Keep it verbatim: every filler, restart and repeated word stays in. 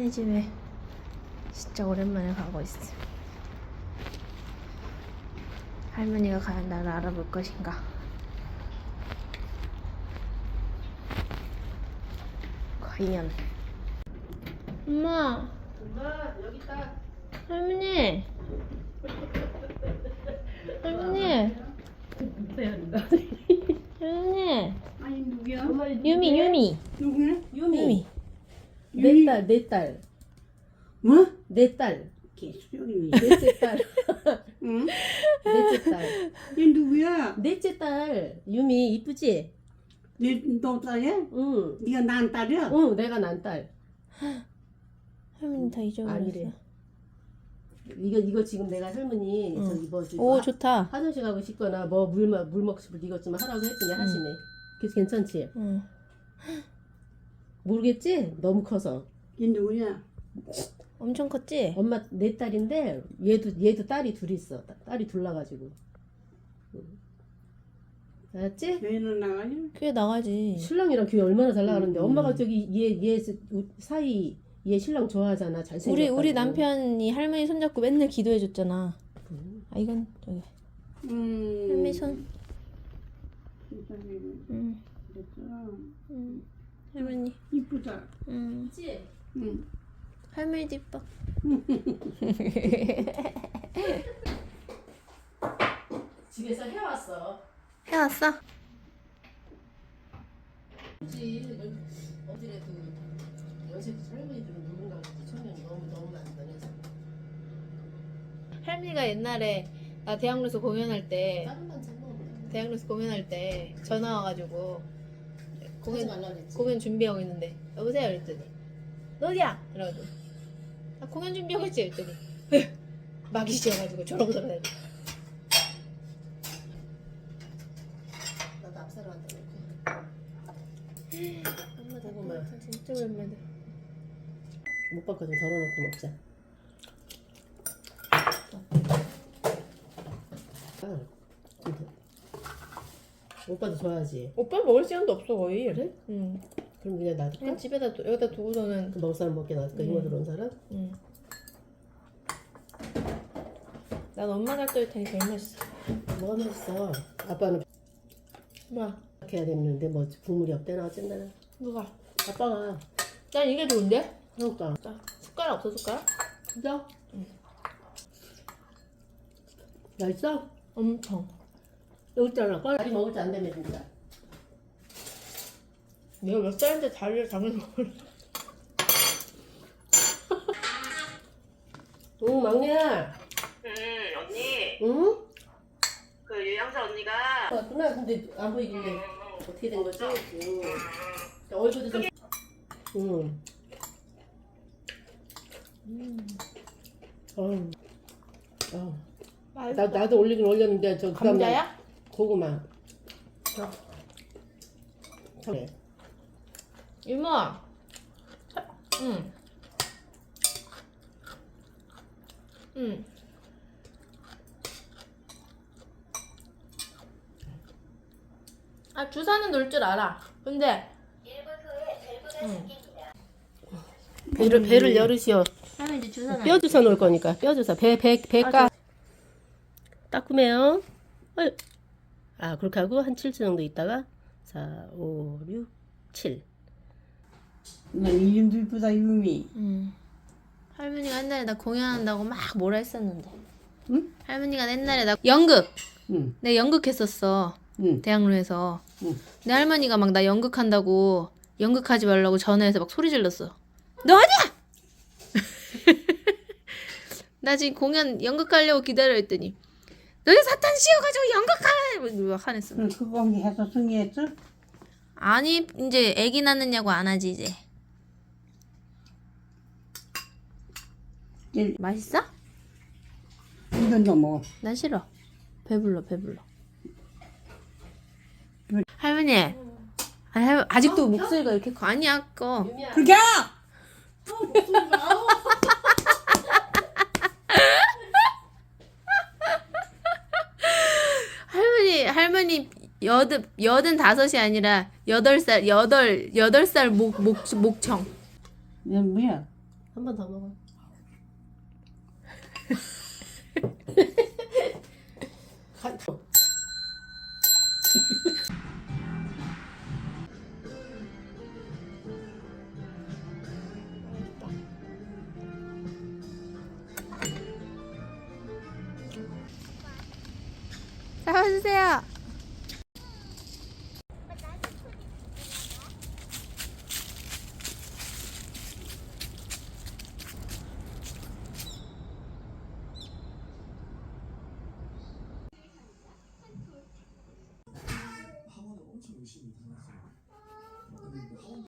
할머니 집에 진짜 오랜만에 가고 있어. 할머니가 과연 나를 알아볼 것인가? 과연. 엄마. 엄마 여기 있다. 할머니. 할머니. 할머니. 아니 누구야? 엄마 유미 유미. 누구야? 유미. 유미. 내 딸, 내 딸. 뭐? 내 딸. 개수령이네. 넷째 딸. 응? 넷째 딸. 얘 누구야? 넷째 딸. 유미 이쁘지? 내너 딸이야? 응. 네가 난 딸이야? 응, 내가 난 딸. 할머니 다 잊어버렸어. 아니래. 이거 이거 지금 내가 할머니 응. 저기 뭐 저기 오 아, 좋다. 화장실 가고 싶거나 뭐물물 먹고 싶을 때 이것 좀 하라고 했더니 하시네. 그래서 괜찮지? 응. 모르겠지? 너무 커서. 얘 누구야? 엄청 컸지? 엄마 내 딸인데 얘도 얘도 딸이 둘이 있어. 딸- 딸이 둘 나가지고. 응. 알았지? 얘는 나가냐? 교회 나가지. 신랑이랑 교회 얼마나 잘 나가는데 음. 엄마가 저기 얘 얘 사이 얘 신랑 좋아하잖아. 잘생겼다고. 우리 우리 남편이 할머니 손잡고 맨날 기도해 줬잖아. 음. 아 이건 저기 음. 할머니 손. 세상에. 응. 그랬어. 응. 할머니. 이쁘다. 응. 그치? 응. 할머니도 이뻐. 집에서 해왔어. 해왔어? 그치. 어디래 그 연세 할머니들은 누군가 그랬지. 청년이 너무 너무 많이 다녀서. 할머니가 옛날에 나 대학로에서 공연할 때 다른 반찬 먹으면 대학로에서 공연할 때 전화 와가지고 공연 공연 말라 그랬지. 공연 준비하고 있는데 여보세요 이랬더니 너 어디야? 이러고 나 공연 준비하고 있지 이랬더니 막이 씌어가지고 저러고 저러고 나도 앞사람 한다 엄마 고구마. 나 진짜 오랜만에 못 바꿔 좀 덜어놓고 먹자. 아, 진짜. 오빠도 좋아하지. 오빠 먹을 시간도 없어 거의. 그래? 응. 그럼 그냥 놔둘까? 그냥 집에다 두, 여기다 두고서는 그 먹을 사람 먹게 놔둘까? 음. 이모 들어온 사람? 응. 난 엄마가 끓일 테니 제일 맛있어. 뭐가 맛있어? 아빠는 뭐야? 이렇게 해야 되는데 뭐 국물이 없대나 어쨌나. 누가? 아빠가 난 이게 좋은데? 그러니까 자, 숟가락 없어 숟가락? 진짜? 응. 맛있어? 엄청. 여기 있잖아. 빨리 먹을 줄 안 되네 진짜. 내가 몇 살인데 다리를 잡는 걸. 응 막내야. 응, 언니. 응? 그 유영자 언니가 왔구나. 근데 안 보이길래 어떻게 된 거지? 응. 얼굴도 좀. 응. 음. 어. 어. 맛있어. 나 나도 올리긴 올렸는데 저 그다음에 감자야? 고구마. 그래. 이모. 응. 응. 아 주사는 놓을 줄 알아. 근데 응. 배를 배를 열으시오. 하면 이제 주사는 뼈 주사 놓을 거니까 뼈 주사 배배 배가 따끔해요. 어이. 아 그렇게 하고 한 칠 주 정도 있다가 사, 오, 육, 칠. 난 이름도 이쁘다 유미. 응. 할머니가 옛날에 나 공연한다고 막 뭐라 했었는데. 응? 할머니가 옛날에 나 연극. 응. 내 연극했었어. 응. 대학로에서. 응. 내 할머니가 막 나 연극한다고 연극하지 말라고 전화해서 막 소리 질렀어. 너 어디야? 나 지금 공연 연극하려고 기다려 했더니 너희 사탄 씌워가지고 연극하래 막 화냈어. 그럼 그거 해서 승리했어? 아니 이제 애기 낳느냐고 안 하지 이제. 일- 맛있어? 이건 너 먹어. 난 싫어. 배불러 배불러. 왜? 할머니. 아니, 할- 아직도 목소리가 이렇게 커. 아니야 꺼. 유미야. 그게! 할머니 할머니 여든 여든 다섯이 아니라 여덟 살 여덟 여덟 살 목 목 목청. 얘 뭐야? 한 번 더 먹어. 간- 잡아주세요.